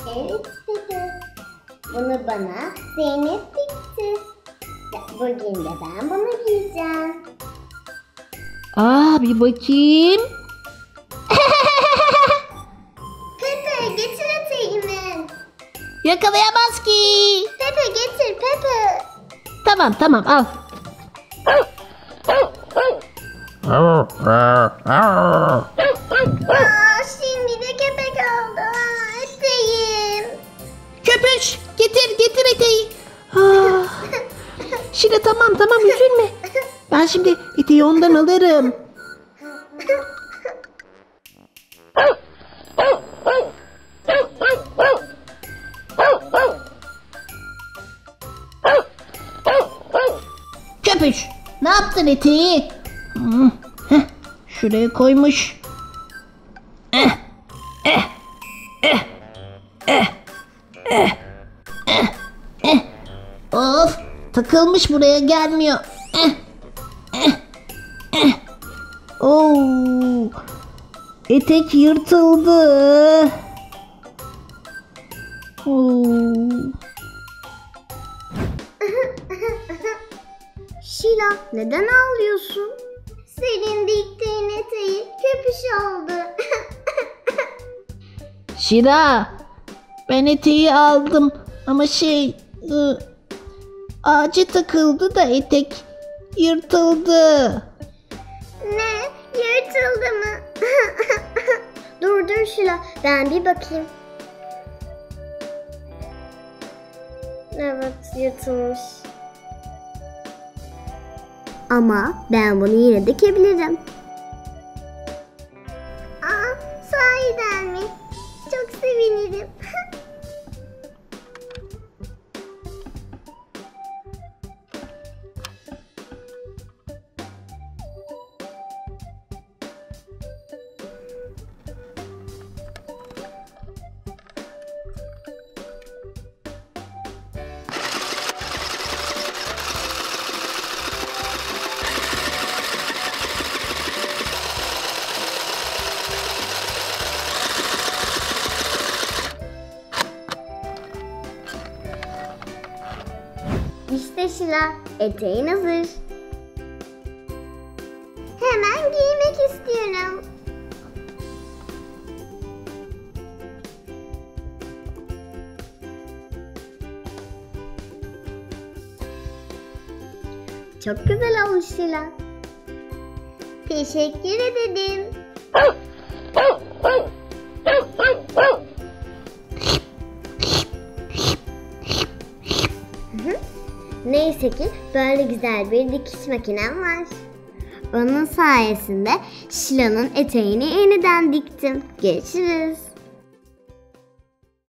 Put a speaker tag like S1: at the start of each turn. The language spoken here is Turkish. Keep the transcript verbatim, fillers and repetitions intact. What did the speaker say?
S1: Evet Pepe. Bunu bana Zeynep dikti. Bugün de ben bunu giyeceğim.
S2: Aa, bir bakayım.
S1: Pepe getir eteğimi.
S2: Yakalayamaz ki.
S1: Pepe getir Pepe.
S2: Tamam tamam al.
S1: Aa, şimdi de köpek oldu. Aa, eteğim.
S2: Köpüş getir getir eteği. Ah. Şile tamam tamam üzülme. Ben şimdi eteği ondan alırım. Köpüş ne yaptın eteği? Hmm, heh, şuraya koymuş. Eh, eh, eh, eh, eh, eh, eh. Of takılmış buraya gelmiyor. Eh, eh, eh. Oo, etek yırtıldı. Oo.
S1: Şila neden ağlıyorsun? Senin diktiğin eteği köpüş oldu.
S2: Şira, ben eteği aldım ama şey ı, ağaca takıldı da etek yırtıldı.
S1: Ne? Yırtıldı mı? Dur dur Şila ben bir bakayım. Evet yırtılmış. Ama ben bunu yine dikebilirim. Aa, sahiden mi? Çok sevinirim. İşte Şila, eteğin hazır. Hemen giymek istiyorum. Çok güzel olmuş Şila. Teşekkür ederim. Neyse ki böyle güzel bir dikiş makinem var. Onun sayesinde Şila'nın eteğini yeniden diktim. Görüşürüz.